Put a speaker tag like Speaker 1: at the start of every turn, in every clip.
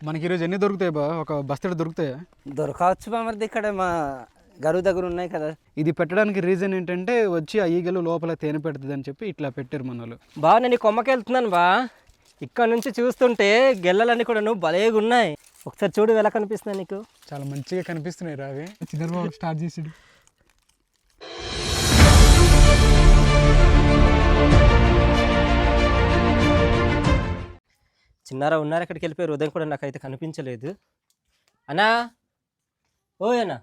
Speaker 1: మనకి ఈరోజు ఎన్ని దొరుకుతాయి బా? ఒక బస్తడి దొరుకుతాయా?
Speaker 2: దొరకవచ్చు బామర్ది, ఇక్కడ మా గరువు దగ్గర ఉన్నాయి కదా.
Speaker 1: ఇది పెట్టడానికి రీజన్ ఏంటంటే వచ్చి ఆ ఈగలు లోపల తేనె పెడుతుంది అని చెప్పి ఇట్లా పెట్టారు మన వాళ్ళు.
Speaker 3: బా నేను ఈ కొమ్మకి వెళ్తున్నాను బా. ఇక్కడ నుంచి చూస్తుంటే గెల్లలన్నీ కూడా నువ్వు భలేగా ఉన్నాయి. ఒకసారి చూడు ఎలా కనిపిస్తున్నాయి నీకు.
Speaker 1: చాలా మంచిగా కనిపిస్తున్నాయి రావి. చిన్నబాబు స్టార్ట్ చేసాడు.
Speaker 3: చిన్నారా ఉన్నారు, ఎక్కడికి వెళ్ళిపోయారు? ఉదయం కూడా నాకైతే కనిపించలేదు. అన్నా, ఓ అన్నా,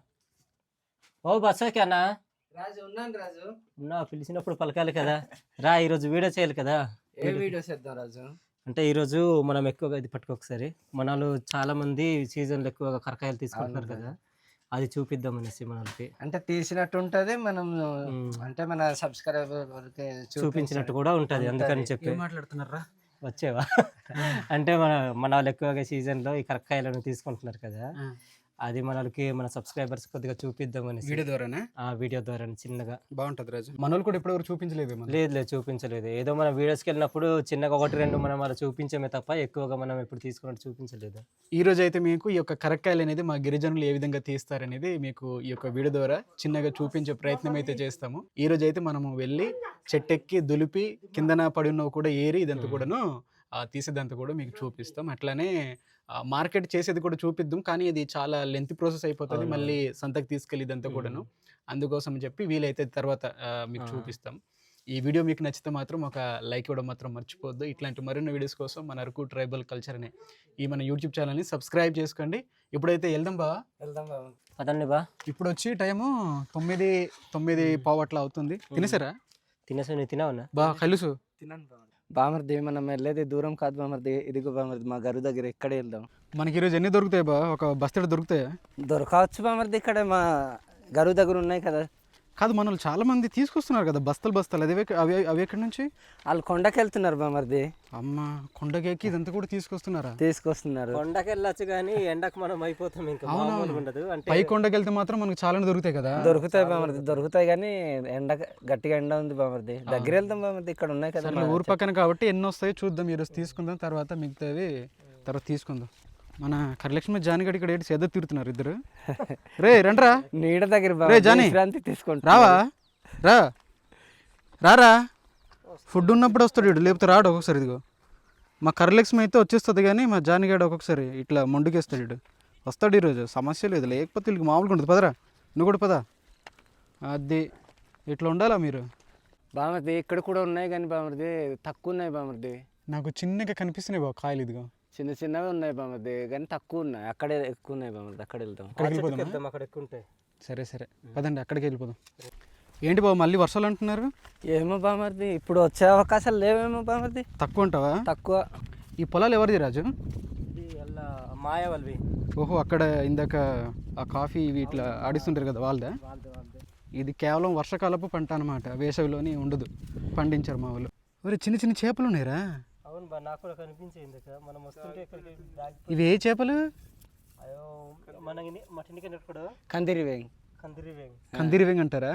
Speaker 3: ఓ బస్సోకి అన్నా.
Speaker 2: రాజు ఉన్నాను రాజు.
Speaker 3: ఉన్నా, పిలిచినప్పుడు పలకాలి కదా. రా, ఈరోజు వీడియో చేయాలి కదా.
Speaker 2: ఏ వీడియో చేద్దాం రాజు?
Speaker 3: అంటే ఈరోజు మనం ఎక్కువగా ఇది పట్టుకోకసారి మనలు చాలా మంది సీజన్లో ఎక్కువగా కరకాయలు తీసుకుంటున్నారు కదా, అది చూపిద్దాం అనేసి మనకి.
Speaker 2: అంటే తీసినట్టు ఉంటది, మనం అంటే మన సబ్స్క్రైబర్
Speaker 3: చూపించినట్టు కూడా ఉంటది. అందుకని చెప్పి
Speaker 1: మాట్లాడుతున్నారా?
Speaker 3: వచ్చేవా అంటే మన వాళ్ళు ఎక్కువగా సీజన్లో ఈ కరక్కాయలను తీసుకుంటున్నారు కదా, అది మనకి మన సబ్స్క్రైబర్స్ కొద్దిగా చూపిద్దాం అనేసి.
Speaker 1: వీడియో ద్వారానే?
Speaker 3: వీడియో ద్వారా చిన్నగా
Speaker 1: బాగుంటుంది రాజు. మనోళ్ళు కూడా ఇప్పటివరకు చూపించలేదు.
Speaker 3: లేదు చూపించలేదు. ఏదో మన వీడియోస్కి వెళ్ళినప్పుడు చిన్నగా ఒకటి రెండు మనం అలా చూపించమే తప్ప ఎక్కువగా మనం ఎప్పుడు తీసుకున్నట్టు చూపించలేదు.
Speaker 1: ఈ రోజు అయితే మీకు ఈ యొక్క కరక్కాయలు అనేది మా గిరిజనులు ఏ విధంగా తీస్తారనేది మీకు ఈ యొక్క వీడియో ద్వారా చిన్నగా చూపించే ప్రయత్నం అయితే చేస్తాము. ఈ రోజు అయితే మనము వెళ్ళి చెట్టెక్కి దులిపి కిందన పడి ఉన్నవి కూడా ఏరి ఇదంతా కూడాను తీసేదంతా కూడా మీకు చూపిస్తాం. అట్లానే మార్కెట్ చేసేది కూడా చూపిద్దాం, కానీ ఇది చాలా లెంత్ ప్రాసెస్ అయిపోతుంది, మళ్ళీ సంతకు తీసుకెళ్ళి ఇదంతా కూడాను. అందుకోసం చెప్పి వీలైతే తర్వాత మీకు చూపిస్తాం. ఈ వీడియో మీకు నచ్చితే మాత్రం ఒక లైక్ ఇవ్వడం మాత్రం మర్చిపోవద్దు. ఇట్లాంటి మరిన్ని వీడియోస్ కోసం మన అరకు ట్రైబల్ కల్చర్ అనే ఈ మన యూట్యూబ్ ఛానల్ని సబ్స్క్రైబ్ చేసుకోండి. ఇప్పుడైతే వెళ్దాం బా.
Speaker 3: అదండి బా.
Speaker 1: ఇప్పుడు వచ్చి టైము 9:15 అట్లా అవుతుంది. తినేసారా?
Speaker 3: తినేసా. నువ్వు తినావునా
Speaker 1: బా? కలుసు
Speaker 2: తిన్నాను బామర్ది. మనం వెళ్ళేది దూరం కాదు బామర్ది, ఇదిగో బామర్ది మా గరువు దగ్గర. ఇక్కడే వెళ్దాం.
Speaker 1: మనకి ఈరోజు ఎన్ని దొరుకుతాయి బా? ఒక బస్తడి దొరుకుతాయా?
Speaker 2: దొరకవచ్చు బామర్ది, ఇక్కడ మా గరువు దగ్గర ఉన్నాయి కదా.
Speaker 1: కాదు, మనల్ని చాలా మంది తీసుకొస్తున్నారు కదా బస్తలు. అవి అవి ఎక్కడి నుంచి?
Speaker 2: వాళ్ళు కొండకి వెళ్తున్నారు బామర్ది.
Speaker 1: అమ్మ, కొండకెక్కి ఇదంతా కూడా
Speaker 2: తీసుకొస్తున్నారు.
Speaker 3: కొండకి వెళ్ళచ్చు కానీ ఎండకు మనం అయిపోతాం, ఇంకా మామూలుగా ఉండదు. అంటే
Speaker 1: పై కొండకి వెళ్తే మాత్రం మనకు చాలా దొరుకుతాయి కదా.
Speaker 2: దొరుకుతాయి బామర్ది, దొరుకుతాయి కానీ గట్టిగా ఎండ ఉంది బామర్ది. దగ్గర వెళ్తాం బామర్ది, ఇక్కడ ఉన్నాయి కదా.
Speaker 1: ఊరు పక్కన కాబట్టి ఎన్ని వస్తాయో చూద్దాం. ఈరోజు తీసుకుందాం, తర్వాత మిగతావి తర్వాత తీసుకుందాం. మన కరలక్ష్మి జానిగడి ఇక్కడ ఏంటి సేద తీరుతున్నారు ఇద్దరు. రే రండ్రా
Speaker 2: నీడ దగ్గర
Speaker 1: తీసుకుంటా. రావా? రారా, ఫుడ్ ఉన్నప్పుడు వస్తాడు వీడు, లేకపోతే రాడు ఒక్కొక్కసారి. ఇదిగో మా కరలక్ష్మి అయితే వచ్చేస్తుంది, కానీ మా జానిగాడు ఒక్కొక్కసారి ఇట్లా మొండుకేస్తాడు. వీడు వస్తాడు ఈరోజు, సమస్య లేదు. లేకపోతే వీళ్ళకి మామూలుగా ఉంటుంది. పదరా, నువ్వు కూడా పదా. అది ఇట్లా ఉండాలా మీరు?
Speaker 2: బామర్ది ఇక్కడ కూడా ఉన్నాయి కానీ బామర్ది తక్కువ ఉన్నాయి బామర్ది.
Speaker 1: నాకు చిన్నగా కనిపిస్తున్నాయి బాబు కాయలు. ఇదిగో
Speaker 2: చిన్నవి ఉన్నాయి బామర్ది, కానీ తక్కువ ఉన్నాయి. అక్కడే ఎక్కువ ఉన్నాయి బామర్ది, అక్కడ వెళ్తాం.
Speaker 3: అక్కడ ఎక్కువ ఉంటాయి.
Speaker 1: సరే పదండి, అక్కడికి వెళ్ళిపోదాం. ఏంటి బాబు మళ్ళీ వర్షాలు అంటున్నారు?
Speaker 2: ఏమో బామర్ది, ఇప్పుడు వచ్చే అవకాశాలు లేవేమో బామర్ది.
Speaker 1: తక్కువ ఉంటావా?
Speaker 2: తక్కువ.
Speaker 1: ఈ పొలాలు ఎవరిది రాజు?
Speaker 3: మాయ వాళ్ళవి.
Speaker 1: ఓహో, అక్కడ ఇందాక ఆ కాఫీ ఇవి ఇట్లా ఆడిస్తుంటారు కదా, వాళ్ళదా? ఇది కేవలం వర్షాకాలపు పంట అనమాట, వేసవిలోని ఉండదు. పండించారు మా వాళ్ళు. మరి చిన్న చేపలు ఉన్నాయిరా.
Speaker 3: అవును బా, నాకు కూడా కనిపించింది మనం వస్తుంటే.
Speaker 1: ఇవి ఏ చేపలు?
Speaker 3: అయ్యో, మన కూడా
Speaker 1: కందిరి వేంగ్ అంటారా?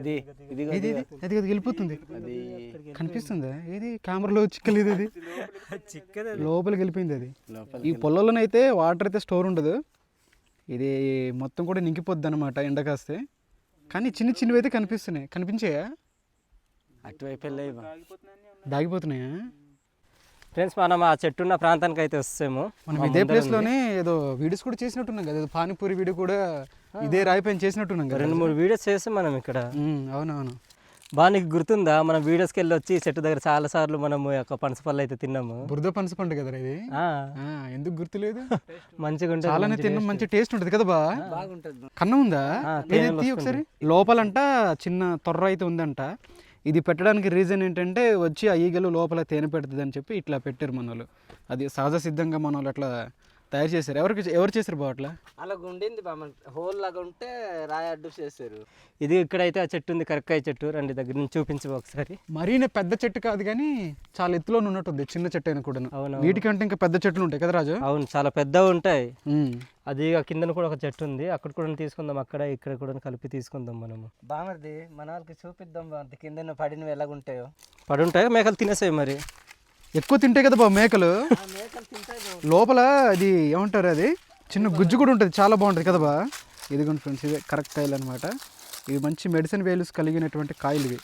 Speaker 2: ఇది
Speaker 1: వెళ్ళిపోతుంది, కనిపిస్తుందా? ఇది కెమెరాలో చిక్కలేదు, ఇది లోపలికి వెళ్ళిపోయింది. అది ఈ పొలంలోనైతే వాటర్ అయితే స్టోర్ ఉండదు, ఇది మొత్తం కూడా నింకిపోద్ది అనమాట ఎండ కాస్తే. కానీ చిన్నవి అయితే కనిపించాయా?
Speaker 2: అటువైపు
Speaker 1: దాగిపోతున్నాయా?
Speaker 3: ఫ్రెండ్స్, మనం ఆ చెట్టు ఉన్న ప్రాంతానికి అయితే వస్తాము.
Speaker 1: మనం ఇదే ప్లేస్ లోనే ఏదో వీడియోస్ కూడా చేసినట్టున్నాం కదా, పానీపూరి వీడియో కూడా ఇదే రాయిపైన చేసినట్టున్నాం కదా.
Speaker 3: 2-3 వీడియోస్ చేస్తాం మనం ఇక్కడ.
Speaker 1: అవునవును.
Speaker 3: బాగా నీకు గుర్తుందా? మనం వీడియోస్కి వెళ్ళి వచ్చి చెట్టు దగ్గర చాలా సార్లు మనం పనసపళ్ళు అయితే తిన్నాము.
Speaker 1: బురద పనస పండు కదా ఇది. ఎందుకు గుర్తులేదు?
Speaker 3: మంచిగా ఉంటుంది,
Speaker 1: చాలానే తిన్నాం, మంచి టేస్ట్ ఉంటుంది కదా.
Speaker 2: బాగుంటుంది.
Speaker 1: కన్నం ఉందా ఒకసారి? లోపలంట చిన్న తొర్ర అయితే ఉందంట. ఇది పెట్టడానికి రీజన్ ఏంటంటే వచ్చి ఆ ఈగలు లోపల తేనె పెడుతుంది అని చెప్పి ఇట్లా పెట్టారు మన వాళ్ళు. అది సహజ సిద్ధంగా మన వాళ్ళు అట్లా తయారు చేశారు. ఎవరు చేశారు బా అట్లా?
Speaker 2: అలా ఉండింది హోల్ లాగా ఉంటే రాయి అడ్డు చేశారు.
Speaker 3: ఇది ఇక్కడైతే ఆ చెట్టు ఉంది, కరక్కాయ చెట్టు. రండి దగ్గర నుంచి చూపించు ఒకసారి.
Speaker 1: మరీ పెద్ద చెట్టు కాదు కానీ చాలా ఎత్తులో ఉన్నట్టుంది, చిన్న చెట్టు అయినా కూడా.
Speaker 3: అవును,
Speaker 1: వీటికంటే ఇంకా పెద్ద చెట్లు ఉంటాయి కదా రాజు?
Speaker 3: అవును, చాలా పెద్దగా ఉంటాయి. అది కింద కూడా ఒక చెట్టు ఉంది, అక్కడ కూడా తీసుకుందాం, అక్కడ ఇక్కడ కూడా కలిపి తీసుకుందాం మనము.
Speaker 2: బామర్ది మన వాళ్ళకి చూపిద్దాం బామర్ది, కింద పడినవి ఎలాగుంటాయో.
Speaker 3: పడి ఉంటాయో మేకలు తినేసాయి మరి.
Speaker 1: ఎక్కువ తింటాయి కదా బాబు మేకలు. లోపల అది ఏమంటారు, అది చిన్న గుజ్జు కూడా ఉంటుంది, చాలా బాగుంటుంది కదా బా. ఇదిగోండి ఫ్రెండ్స్, ఇవే కరెక్ట్ కాయలు అనమాట. ఇవి మంచి మెడిసిన్ వాల్యూస్ కలిగినటువంటి కాయలు ఇవి.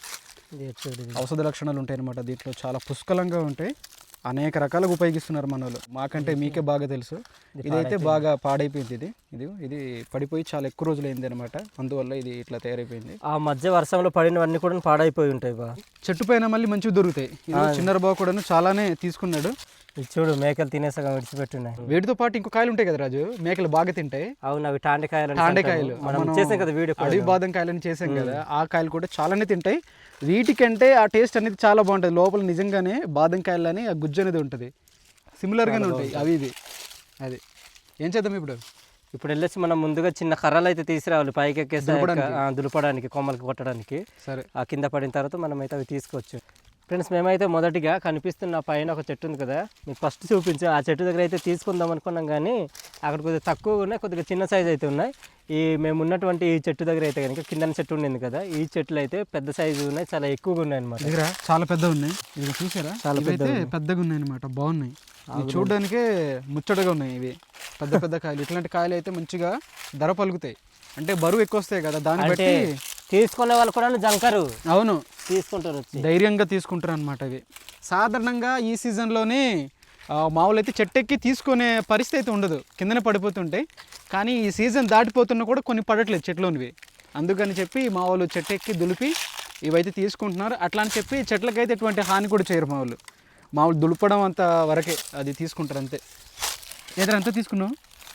Speaker 1: ఔషధ లక్షణాలు ఉంటాయి అనమాట దీంట్లో, చాలా పుష్కలంగా ఉంటాయి. అనేక రకాలుగా ఉపయోగిస్తున్నారు మన వాళ్ళు, మాకంటే మీకే బాగా తెలుసు. ఇదైతే బాగా పాడైపోయింది, ఇది పడిపోయి చాలా ఎక్కువ రోజులు అయింది అనమాట, అందువల్ల ఇది ఇట్లా తయారైపోయింది.
Speaker 3: ఆ మధ్య వర్షంలో పడినవన్నీ కూడా పాడైపోయి ఉంటాయి బా.
Speaker 1: చెట్టు పైన మళ్ళీ మంచివి దొరుకుతాయి. చిన్నర బాబు కూడా చాలానే తీసుకున్నాడు.
Speaker 3: ఇది చూడు, మేకలు తినేసగా విడిచిపెట్టున్నాయి.
Speaker 1: వీటితో పాటు ఇంకో కాయలు ఉంటాయి కదా రాజు, మేకలు బాగా తింటాయి.
Speaker 3: అవును, అవి టాండకాయలు.
Speaker 1: మనం
Speaker 3: చేసాం కదా వీడియో,
Speaker 1: అడవి బాదం కాయలని చేసాం కదా, ఆ కాయలు కూడా చాలానే తింటాయి. వీటికంటే ఆ టేస్ట్ అనేది చాలా బాగుంటుంది. లోపల నిజంగానే బాదం కాయలని ఆ గుజ్జు అనేది ఉంటుంది, సిమిలర్గానే ఉంటాయి అవి ఇది. అది ఏం చేద్దాం ఇప్పుడు
Speaker 3: వెళ్ళేసి మనం ముందుగా చిన్న కర్రలు అయితే తీసుకురావాలి పైకి ఎక్కేసి దులపడానికి, కొమ్మలకి కొట్టడానికి.
Speaker 1: సరే,
Speaker 3: ఆ కింద పడిన తర్వాత మనం అయితే అవి తీసుకోవచ్చు. ఫ్రెండ్స్, మేమైతే మొదటిగా కనిపిస్తున్న పైన ఒక చెట్టు ఉంది కదా, మీకు ఫస్ట్ చూపించాం. ఆ చెట్టు దగ్గర అయితే తీసుకుందాం అనుకున్నాం, కానీ అక్కడ కొద్దిగా తక్కువ ఉన్నాయి, కొద్దిగా చిన్న సైజు అయితే ఉన్నాయి. మేము ఉన్నటువంటి ఈ చెట్టు దగ్గర అయితే కనుక కింద చెట్టు ఉండింది కదా, ఈ చెట్లు అయితే పెద్ద సైజు ఉన్నాయి, చాలా ఎక్కువగా ఉన్నాయి అనమాట.
Speaker 1: దగ్గర చాలా పెద్దగా ఉన్నాయి, ఇది చూసారా, చాలా పెద్దగా ఉన్నాయి అనమాట, బాగున్నాయి. చూడడానికే ముచ్చటగా ఉన్నాయి ఇవి, పెద్ద పెద్ద కాయలు. ఇట్లాంటి కాయలు అయితే మంచిగా ధర పలుకుతాయి, అంటే బరువు ఎక్కువ వస్తాయి కదా, దాన్ని బట్టి
Speaker 3: తీసుకునే వాళ్ళు కూడా జంకరు.
Speaker 1: అవును,
Speaker 3: తీసుకుంటారు,
Speaker 1: ధైర్యంగా తీసుకుంటారు అనమాట. ఇవి సాధారణంగా ఈ సీజన్లోనే మామూలు అయితే చెట్టెక్కి తీసుకునే పరిస్థితి అయితే ఉండదు, కిందనే పడిపోతుంటాయి. కానీ ఈ సీజన్ దాటిపోతున్నా కూడా కొన్ని పడట్లేదు చెట్లోనివి, అందుకని చెప్పి మా వాళ్ళు చెట్టెక్కి దులిపి ఇవైతే తీసుకుంటున్నారు. అట్లా అని చెప్పి చెట్లకైతే ఎటువంటి హాని కూడా చేయరు మా వాళ్ళు, మామూలు దులపడం అంత వరకే అది తీసుకుంటారు అంతే. ఏదైనా అంతా తీసుకున్నావు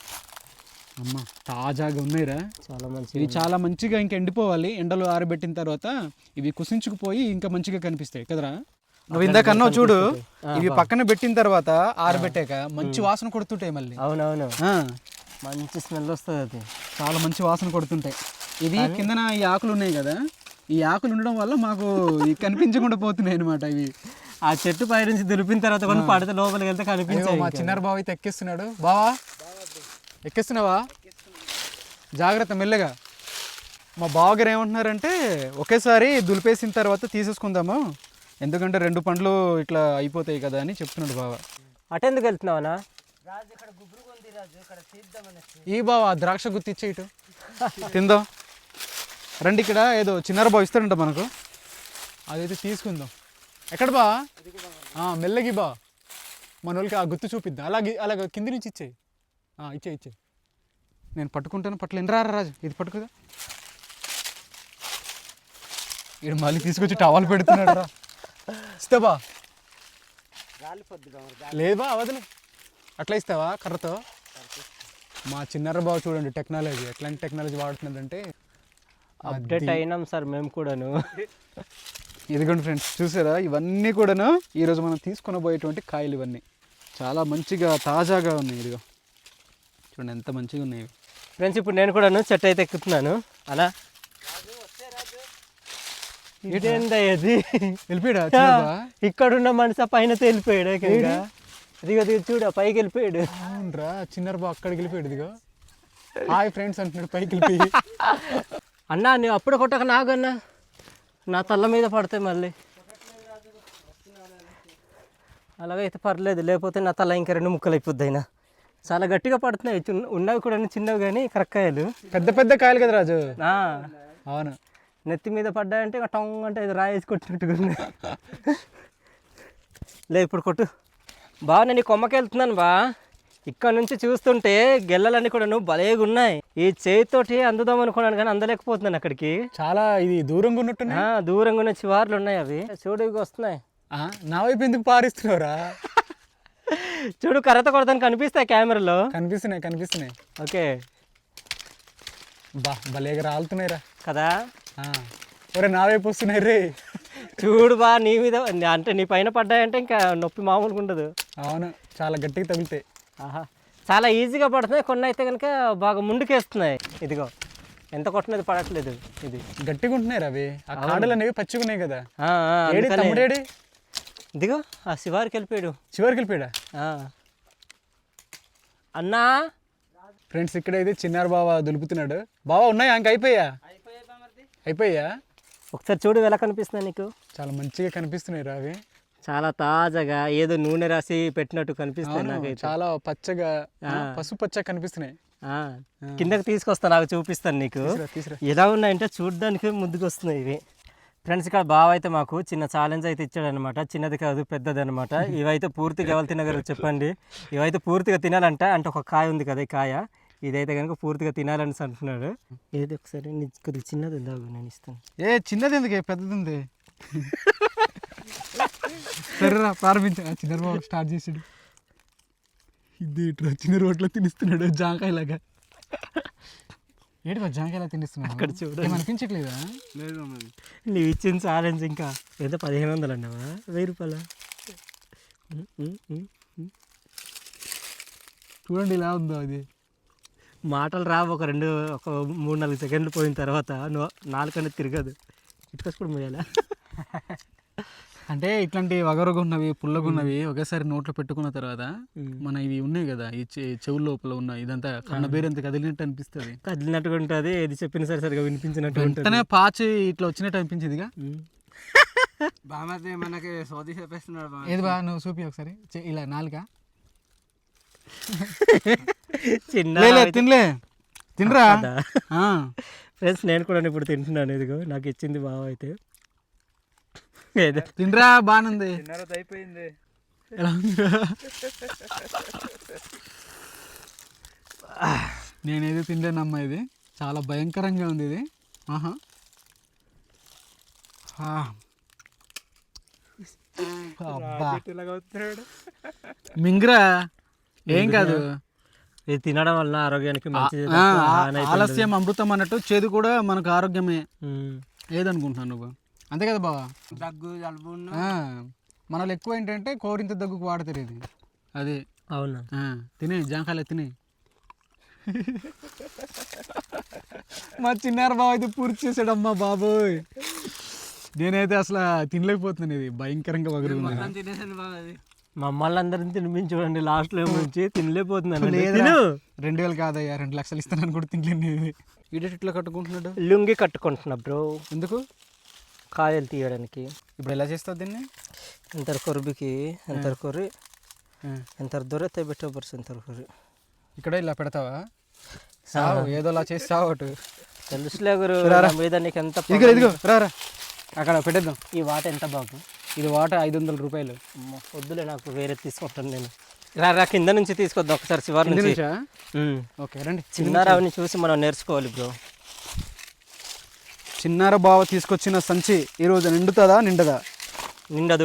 Speaker 1: అమ్మ, తాజాగా ఉన్నాయిరా,
Speaker 3: చాలా మంచి.
Speaker 1: ఇవి చాలా మంచిగా ఇంకా ఎండిపోవాలి, ఎండలో ఆరబెట్టిన తర్వాత ఇవి కుసించుకుపోయి ఇంకా మంచిగా కనిపిస్తాయి కదరా. నువ్వు ఇందాక అన్నావు చూడు, ఇవి పక్కన పెట్టిన తర్వాత ఆరబెట్టాక మంచి వాసన కొడుతుంటాయి మళ్ళీ.
Speaker 3: అవునవును, మంచి స్మెల్ వస్తుంది, అది
Speaker 1: చాలా మంచి వాసన కొడుతుంటాయి. ఇవి కిందన ఈ ఆకులు ఉన్నాయి కదా, ఈ ఆకులు ఉండడం వల్ల మాకు కనిపించకుండా పోతున్నాయి అనమాట ఇవి.
Speaker 3: ఆ చెట్టు పై నుంచి దులిపిన తర్వాత కొన్ని పడితే లోపలికి వెళ్తే కనిపించాయి.
Speaker 1: మా చిన్నారు బావ అయితే ఎక్కిస్తున్నాడు. బావా ఎక్కిస్తున్నావా, జాగ్రత్త మెల్లగా. మా బావగారు ఏమంటున్నారంటే ఒకేసారి దులిపేసిన తర్వాత తీసేసుకుందాము, ఎందుకంటే 2 పండ్లు ఇట్లా అయిపోతాయి కదా అని చెప్తున్నాడు బావ.
Speaker 3: అటెందుకు వెళ్తున్నావనా?
Speaker 1: ఈ బావ ద్రాక్ష గుర్తిచ్చే ఇటు తిందాం రండి. ఇక్కడ ఏదో చిన్నారు బావ ఇస్తాడంట మనకు, అదైతే తీసుకుందాం. ఎక్కడ బా, మెల్లగి బా, మన వాళ్ళకి ఆ గుర్తు చూపిద్దాం. అలాగే కింది నుంచి ఇచ్చేయి, ఇచ్చే నేను పట్టుకుంటాను. పట్టలేను, రా రాజు, ఇది పట్టుకుదా. ఇక్కడ మళ్ళీ తీసుకొచ్చి టవాలు పెడుతున్నాడు రా, ఇస్తావా? లేవా అవదలే, అట్లా ఇస్తావా కర్రతో? మా చిన్నర బావ చూడండి టెక్నాలజీ, ఎట్లాంటి టెక్నాలజీ వాడుతున్నదంటే
Speaker 3: అప్డేట్ అయినాం సార్ మేము కూడాను.
Speaker 1: ఇదిగోండి ఫ్రెండ్స్, చూసారా, ఇవన్నీ కూడాను ఈరోజు మనం తీసుకొని పోయేటువంటి కాయలు. ఇవన్నీ చాలా మంచిగా తాజాగా ఉన్నాయి. ఇదిగో చూడండి ఎంత మంచిగా ఉన్నాయి
Speaker 3: ఫ్రెండ్స్. ఇప్పుడు నేను కూడాను చెట్టు అయితే ఎక్కుతున్నాను. అలా ఇదేందయ్యది,
Speaker 1: వెళ్ళిపోయాడా
Speaker 3: ఇక్కడున్న మనిషి పైన తేలిపోయాడు. ఇదిగో చూడ పైకి వెళ్ళిపోయాడు.
Speaker 1: అవునరా, చిన్నర బావ అక్కడికి వెళ్ళిపోయాడు. ఇదిగో హాయ్ ఫ్రెండ్స్ అంటున్నాడు పైకి వెళ్ళిపోయి.
Speaker 3: అన్నా నువ్వు అప్పుడు కొట్టక నాగన్నా, నా తల్ల మీద పడతాయి మళ్ళీ. అలాగైతే పర్లేదు, లేకపోతే నా తల ఇంకా 2 ముక్కలు అయిపోద్ది. అయినా చాలా గట్టిగా పడుతున్నాయి, ఉన్నవి కూడా చిన్నవి కానీ కరక్కాయలు,
Speaker 1: పెద్ద పెద్ద కాయలు కదా రాజు.
Speaker 3: అవును, నెత్తి మీద పడ్డాయంటే ఇక టంగ్ అంటే ఇది రాయేసి కొట్టినట్టుగా ఉన్నాయి. లే ఇప్పుడు కొట్టు బాగా. నేను కొమ్మకి వెళ్తున్నాను బా, ఇక్కడ నుంచి చూస్తుంటే గెల్లలన్నీ కూడా భలేగా ఉన్నాయి. ఈ చేతితోటి అందుదాం అనుకున్నాను కానీ అందలేకపోతున్నాను అక్కడికి.
Speaker 1: చాలా ఇది దూరంగా ఉన్నట్టున్నా,
Speaker 3: దూరంగా ఉన్న చివార్లు ఉన్నాయి అవి. చూడు ఇవి వస్తున్నాయి.
Speaker 1: నా వైపు ఎందుకు పారిస్తున్నావురా?
Speaker 3: చూడు కర్రత కొడతాను కనిపిస్తాయి కెమెరాలో.
Speaker 1: కనిపిస్తున్నాయి.
Speaker 3: ఓకే
Speaker 1: బా, భలేగా రాలుతున్నాయిరా
Speaker 3: కదా.
Speaker 1: ఒరే నా వైపు వస్తున్నాయి రే.
Speaker 3: చూడు బా, నీ మీద అంటే నీ పైన పడ్డాయంటే ఇంకా నొప్పి మామూలుగా ఉండదు.
Speaker 1: అవును, చాలా గట్టిగా తగులుతాయి.
Speaker 3: చాలా ఈజీగా పడుతున్నాయి, కొన్ని అయితే కనుక బాగా ముందుకేస్తున్నాయి. ఇదిగో ఎంత కొట్టినది పడట్లేదు, ఇది
Speaker 1: గట్టిగా ఉంటున్నాయి అవి. ఆ కాడలు అనేవి పచ్చిగా ఉన్నాయి కదా.
Speaker 3: తమ్ముడేడి ఇదిగో ఆ శివారికి వెళ్ళిపోయాడా అన్నా.
Speaker 1: ఫ్రెండ్స్, ఇక్కడైతే చిన్నారు బావ దులుపుతున్నాడు. బావా ఉన్నాయా? ఇంక అయిపోయా?
Speaker 3: ఒకసారి చూడు ఎలా కనిపిస్తున్నాయి నీకు.
Speaker 1: చాలా మంచిగా కనిపిస్తున్నాయి రా అవి.
Speaker 3: చాలా తాజాగా ఏదో నూనె రాసి పెట్టినట్టు కనిపిస్తాయి నాకైతే.
Speaker 1: చాలా పచ్చగా పసుపు పచ్చగా కనిపిస్తున్నాయి.
Speaker 3: ఆ, కిందకి తీసుకొస్తా, నాకు చూపిస్తాను నీకు
Speaker 1: తీసురా.
Speaker 3: ఎలా ఉన్నాయంటే చూడడానికి ముందుకు వస్తున్నాయి ఇవి. ఫ్రెండ్స్ ఇక్కడ బావ అయితే మాకు చిన్న ఛాలెంజ్ అయితే ఇచ్చాడనమాట. చిన్నది కాదు పెద్దది అనమాట. ఇవైతే పూర్తిగా ఎవరు తినగలరు చెప్పండి. ఇవైతే పూర్తిగా తినాలంట. అంటే ఒక కాయ ఉంది కదా, ఈ కాయ ఇదైతే కనుక పూర్తిగా తినాలని అంటున్నాడు. ఏది ఒకసారి కొద్దిగా చిన్నది ఉందాగు, నేను ఇస్తాను.
Speaker 1: చిన్నది ఎందుకే, పెద్దది ఉంది. సరేరా ప్రారంభించా. చిన్న స్టార్ట్ చేసాడు. ఇది చిన్న రోడ్లో తినిస్తున్నాడు జాంకాయలాగా. ఏంటి మా జాంకాయలా తినిస్తున్నాడు?
Speaker 3: అక్కడ చూడు,
Speaker 1: అనిపించట్లేదా?
Speaker 3: నీవు ఇచ్చిన ఛాలెంజ్ ఇంకా ఎంత 1500 అన్నావా, 1000 రూపాయల?
Speaker 1: చూడండి ఇలా ఉందో అది.
Speaker 3: మాటలు రావు. ఒక 3-4 సెకండ్లు పోయిన తర్వాత నాలుకనేది తిరగదు. ఇటుకొచ్చి కూడా పోయాలా?
Speaker 1: అంటే ఇట్లాంటి వగరగా ఉన్నవి పుల్లగా ఉన్నవి ఒకేసారి నోట్లో పెట్టుకున్న తర్వాత మన ఇవి ఉన్నాయి కదా, ఈ చెవుల లోపల ఉన్న ఇదంతా కన్నబేరంత కదిలినట్టు అనిపిస్తుంది.
Speaker 3: కదిలినట్టుగా ఉంటుంది. ఏది చెప్పినా సరే సరిగా వినిపించినట్టు ఉంటుంది.
Speaker 1: పాచి ఇట్లా వచ్చినట్టు అనిపించేదిగా.
Speaker 2: బామర్ది మనకి సోది చెప్పేస్తున్నాడు.
Speaker 1: ఏది బా, నువ్వు చూపి ఒకసారి ఇలా నాలుక. తినలే తినరా
Speaker 3: ఫ్రెండ్స్, నేను కూడా ఇప్పుడు తింటున్నాను. ఇదిగో నాకు ఇచ్చింది బావ అయితే.
Speaker 1: తినరా, బాగుంది.
Speaker 2: అయిపోయింది.
Speaker 1: ఎలా ఉందిరా? నేనేది తినలేనమ్మా, ఇది చాలా భయంకరంగా ఉంది ఇది. ఆహా, మింగ్రా ఏం కాదు.
Speaker 3: ఇది తినడం వల్ల ఆరోగ్యానికి మంచిది.
Speaker 1: ఆలస్యం అమృతం అన్నట్టు చేదు కూడా మనకు ఆరోగ్యమే. ఏదనుకుంటున్నాను నువ్వు? అంతే కదా బావా?
Speaker 2: దగ్గు జలుబు
Speaker 1: మనలో ఎక్కువ ఏంటంటే కోరింత దగ్గుకు వాడతారు ఇది. అది
Speaker 3: అవునా?
Speaker 1: తినే జాంకాయలు తినే. మా చిన్నారు బావ అయితే పూర్తి చేసాడమ్మా బాబోయ్. నేనైతే అసలు తినలేకపోతున్నాను. ఇది భయంకరంగా వగరు.
Speaker 3: మమ్మల్ని అందరిని తినిపించి చూడండి, లాస్ట్లో నుంచి తినలేకపోతున్నాను.
Speaker 1: 2000 కాదయ్యా, 2 లక్షలు ఇస్తానని కూడా తినలేను. ఇది ఈడేట్ ఇట్లా కట్టుకుంటున్నాడు.
Speaker 3: లుంగి కట్టుకుంటున్నా బ్రో.
Speaker 1: ఎందుకు?
Speaker 3: కాయలు తీయడానికి.
Speaker 1: ఇప్పుడు ఎలా చేస్తావు దీన్ని?
Speaker 3: ఎంత కొరుబికి ఎంత కొర్రి ఎంత దొరైతే పెట్టే పర్సు ఎంత కొర్రి
Speaker 1: ఇక్కడ ఇలా పెడతావా? సావు ఏదోలా చేసి సావు అటు.
Speaker 3: తెలుసులే గురు మీద నీకు ఎంత.
Speaker 1: ఇదిగో రా అక్కడ పెట్టేద్దాం.
Speaker 3: ఈ వాట ఎంత బాబు?
Speaker 1: ఇది వాట 500 రూపాయలు.
Speaker 3: వద్దులే, నాకు వేరే తీసుకుంటాను నేను. రా కింద నుంచి తీసుకొద్దాం ఒకసారి, శివారి నుంచి.
Speaker 1: ఓకే రండి.
Speaker 3: చిన్నారావుని చూసి మనం నేర్చుకోవాలి బ్రో.
Speaker 1: చిన్నార బావ తీసుకొచ్చిన సంచి ఈరోజు నిండుతుందా నిండదా?
Speaker 3: నిండదు.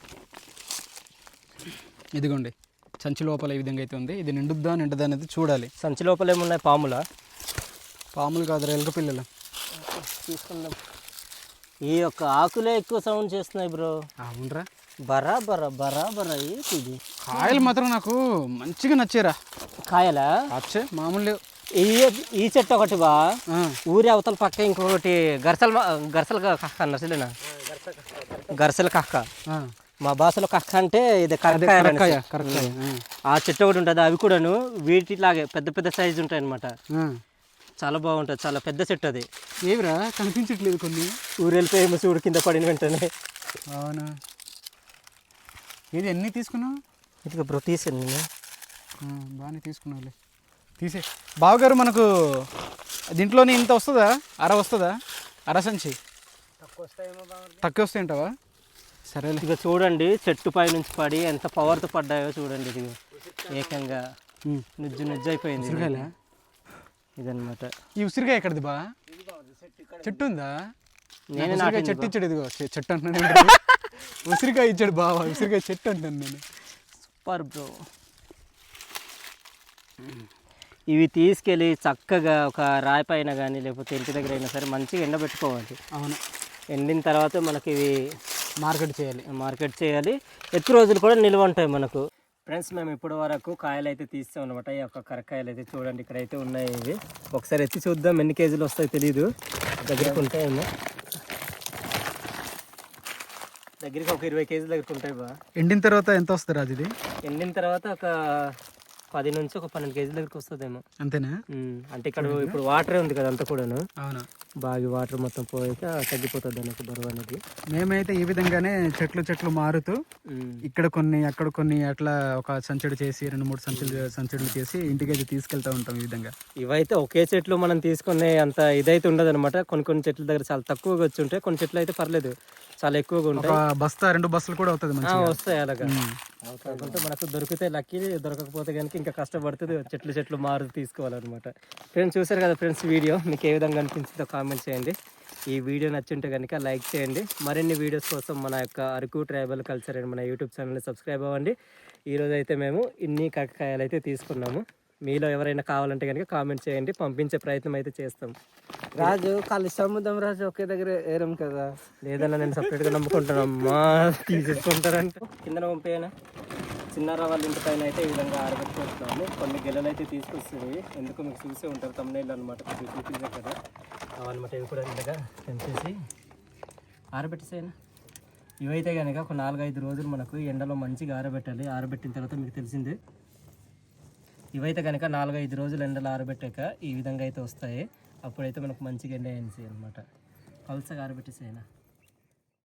Speaker 1: ఇదిగోండి సంచి లోపల ఈ విధంగా అయితే ఉంది. ఇది నిండుద్దా నిండదా అనేది చూడాలి.
Speaker 3: సంచి లోపల ఏమున్నాయి?
Speaker 1: పాములు కాదురా, ఎలుక పిల్లలు.
Speaker 3: తీసుకుందాం. ఈ యొక్క ఆకులే ఎక్కువ సౌండ్ చేస్తున్నాయి బ్రో.
Speaker 1: అవునరా,
Speaker 3: బరాబరా ఇది.
Speaker 1: కాయలు మాత్రం నాకు మంచిగా నచ్చారా.
Speaker 3: కాయలా?
Speaker 1: అచ్చే మామూలు.
Speaker 3: ఈ చెట్టు ఒకటి బా, ఊరి అవతల పక్క ఇంకొకటి గరసల కక్క అన్నట్లేనా? గరసల కక్క, మా భాషలో కక్క అంటే ఇది కరక్కాయ. ఆ చెట్టు ఒకటి ఉంటుంది. అవి కూడాను వీటిలాగే పెద్ద పెద్ద సైజు ఉంటాయి అన్నమాట. చాలా బాగుంటుంది, చాలా పెద్ద చెట్టు అది.
Speaker 1: ఏవిరా కనిపించట్లేదు కొన్ని.
Speaker 3: ఊరు వెళ్ళిపోయి చూడు కింద పడిన వెంటనే.
Speaker 1: అవునా? ఇది ఎన్ని తీసుకున్నావు?
Speaker 3: ఇదిగో బ్రో తీసాను నేను.
Speaker 1: బాగానే తీసుకున్నావులే, తీసే. బావగారు మనకు దీంట్లోనే ఇంత వస్తుందా? వస్తుందా? సంచి తక్కువ వస్తాయంటావా? సరే.
Speaker 3: ఇక చూడండి చెట్టు పై నుంచి పడి ఎంత పవర్తో పడ్డాయో చూడండి. ఇది ఏకంగా నుజ్జు అయిపోయింది. ఇదన్నమాట.
Speaker 1: ఈ ఉసిరికాయ ఎక్కడిది బా? చెట్టు ఉందా? నేను చెట్టు ఇచ్చాడు. ఇదిగో చెట్టు అంటున్నాను. ఉసిరికాయ ఇచ్చాడు బావా, ఉసిరికాయ చెట్టు అంటాను నేను.
Speaker 3: Super bro. ఇవి తీసుకెళ్ళి చక్కగా ఒక రాయి పైన కానీ లేకపోతే ఇంటి దగ్గర అయినా సరే మంచిగా ఎండబెట్టుకోవాలి.
Speaker 1: అవును,
Speaker 3: ఎండిన తర్వాత మనకి ఇవి
Speaker 1: మార్కెట్
Speaker 3: చేయాలి. ఎక్కువ రోజులు కూడా నిల్వ ఉంటాయి మనకు. ఫ్రెండ్స్, మేము ఇప్పటి వరకు కాయలు అయితే తీస్తాం అనమాట. ఈ యొక్క కరకాయలు అయితే చూడండి ఇక్కడ అయితే ఉన్నాయి. ఇవి ఒకసారి ఎత్తి చూద్దాం ఎన్ని కేజీలు వస్తాయో తెలీదు. దగ్గరికి ఉంటాయేమో, దగ్గరికి ఒక 20 కేజీల దగ్గరికి ఉంటాయి బా.
Speaker 1: ఎండిన తర్వాత ఎంత వస్తుంది రాజు? ఇది
Speaker 3: ఎండిన తర్వాత ఒక 10 నుంచి ఒక 12 కేజీల దగ్గరికి వస్తుందేమో.
Speaker 1: అంతేనా?
Speaker 3: అంటే ఇక్కడ ఇప్పుడు వాటరే ఉంది కదా అంతా కూడాను,
Speaker 1: అవును.
Speaker 3: బాగా వాటర్ మొత్తం పోయాక తగ్గిపోతుంది అన్నట్టు బరువు అనేది.
Speaker 1: మేమైతే ఈ విధంగానే చెట్లు మారుతూ ఇక్కడ కొన్ని అక్కడ కొన్ని అట్లా ఒక సంచుడు చేసి 2-3 సంచులు చేసి ఇంటికైతే తీసుకెళ్తా ఉంటాం ఈ విధంగా.
Speaker 3: ఇవైతే ఒకే చెట్లు మనం తీసుకునే అంత ఇదైతే ఉండదు అనమాట. కొన్ని చెట్ల దగ్గర చాలా తక్కువగా వచ్చి ఉంటాయి, కొన్ని చెట్లు అయితే పర్లేదు చాలా ఎక్కువగా ఉంటాయి. 2 బస్తాలు కూడా అవుతుంది, వస్తాయి అలాగా. కాకపోతే మనకు దొరికితే లక్కీ, దొరకకపోతే కనుక ఇంకా కష్టపడుతుంది, చెట్లు మారుతూ తీసుకోవాలన్నమాట. ఫ్రెండ్స్ చూసారు కదా ఫ్రెండ్స్, వీడియో మీకు ఏ విధంగా అనిపించిందో కామెంట్ చేయండి. ఈ వీడియో నచ్చుంటే కనుక లైక్ చేయండి. మరిన్ని వీడియోస్ కోసం మన యొక్క అరకు ట్రైబల్ కల్చర్ అండ్ మన యూట్యూబ్ ఛానల్ని సబ్స్క్రైబ్ అవ్వండి. ఈరోజు అయితే మేము ఇన్ని కాకరకాయలు అయితే తీసుకున్నాము. మీలో ఎవరైనా కావాలంటే కనుక కామెంట్ చేయండి, పంపించే ప్రయత్నం అయితే చేస్తాం.
Speaker 2: రాజు కలిసి అమ్ముదాం రాజు, ఒకే దగ్గర ఏరం కదా.
Speaker 3: లేదన్నా నేను సపరేట్గా నమ్ముకుంటానమ్మా, తీసేసుకుంటారంటే కిందన పంపేయనా. చిన్నారా వాళ్ళ ఇంటి పైన అయితే ఈ విధంగా ఆరబెట్టుకుంటున్నాము. కొన్ని గెలలు అయితే తీసుకొస్తుంది, ఎందుకు మీకు చూసే ఉంటారు తమ్ముళ్ళు అనమాట, చూపించారు కదా అవన్నమాట. ఇవి కూడా ఇలాగా తెంపేసి ఆరబెట్టేసేనా. ఇవైతే కనుక ఒక 4-5 రోజులు మనకు ఎండలో మంచిగా ఆరబెట్టాలి. ఆరబెట్టిన తర్వాత మీకు తెలిసిందే, ఇవైతే కనుక 4-5 రోజులు ఎండలో ఆరబెట్టాక ఈ విధంగా అయితే వస్తాయి. అప్పుడైతే మనకు మంచిగా ఎండ వేసి అనమాట. పల్సగా ఆరబెట్టేసేనా.